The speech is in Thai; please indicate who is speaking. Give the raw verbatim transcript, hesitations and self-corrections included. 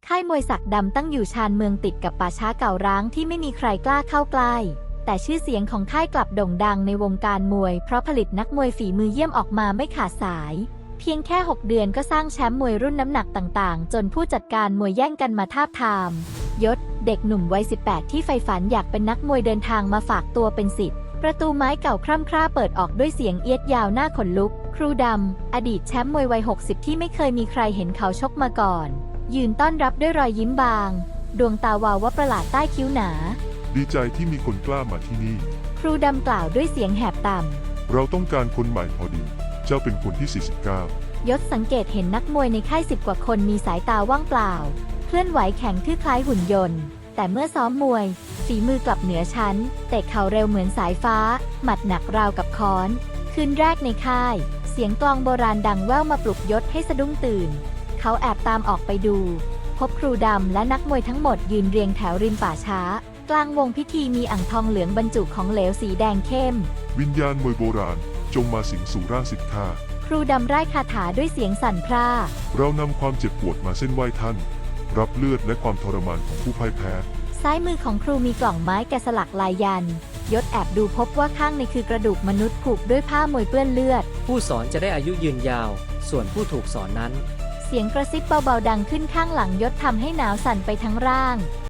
Speaker 1: ค่ายมวยศักดิ์ดำตั้งอยู่ชานเมืองติดกับป่าช้าเก่าร้างที่ไม่มีใครกล้าเข้าใกล้แต่ชื่อเสียงของค่ายกลับโด่งดังในวงการมวยเพราะผลิตนักมวยฝีมือเยี่ยมออกมาไม่ขาดสายเพียงแค่หกเดือนก็สร้างแชมป์มวยรุ่นน้ำหนักต่างๆจนผู้จัดการมวยแย่งกันมาทาบทามยศเด็กหนุ่มวัยสิบแปดที่ใฝ่ฝันอยากเป็นนักมวยเดินทางมาฝากตัวเป็นศิษย์ประตูไม้เก่าคร่ำคร่าเปิดออกด้วยเสียงเอียดยาวหน้าขนลุกครูดำอดีตแชมป์มวยวัยหกสิบที่ไม่เคยมีใครเห็นเขาชกมาก่อนยืนต้อนรับด้วยรอยยิ้มบางดวงตาวาวว่าประหลาดใต้คิ้วหนา
Speaker 2: ดีใจที่มีคนกล้ามาที่นี่
Speaker 1: ครูดำกล่าวด้วยเสียงแหบต่
Speaker 2: ำเราต้องการคนใหม่พอดีเจ้าเป็นคนที่สี่สิบเก้าย
Speaker 1: ศสังเกตเห็นนักมวยในค่ายสิบกว่าคนมีสายตาว่างเปล่าเคลื่อนไหวแข็งทื่อคล้ายหุ่นยนต์แต่เมื่อซ้อมมวยฝีมือกลับเหนือชั้นเตะเข่าเร็วเหมือนสายฟ้าหมัดหนักราวกับค้อนคืนแรกในค่ายเสียงกลองโบราณดังแว่วมาปลุกยศให้สะดุ้งตื่นเขาแอบตามออกไปดูพบครูดำและนักมวยทั้งหมดยืนเรียงแถวริมป่าช้ากลางวงพิธีมีอ่างทองเหลืองบรรจุของเหลวสีแดงเข้ม
Speaker 2: วิญญาณมวยโบราณจงมาสิงสู่ร่างสิทธา
Speaker 1: ครูดำไร้คาถาด้วยเสียงสั่นพร่า
Speaker 2: เรานำความเจ็บปวดมาเส้นไหว้ท่านรับเลือดและความทรมานของผู้พ่ายแพ้
Speaker 1: ซ้ายมือของครูมีกล่องไม้แกะสลักลายยันยศแอบดูพบว่าข้างในคือกระดูกมนุษย์ผูกด้วยผ้ามวยเปื้อนเลือด
Speaker 3: ผู้สอนจะได้อายุยืนยาวส่วนผู้ถูกสอนนั้น
Speaker 1: เสียงกระซิบเบาๆดังขึ้นข้างหลังยศทำให้หนาวสั่นไปทั้งร่าง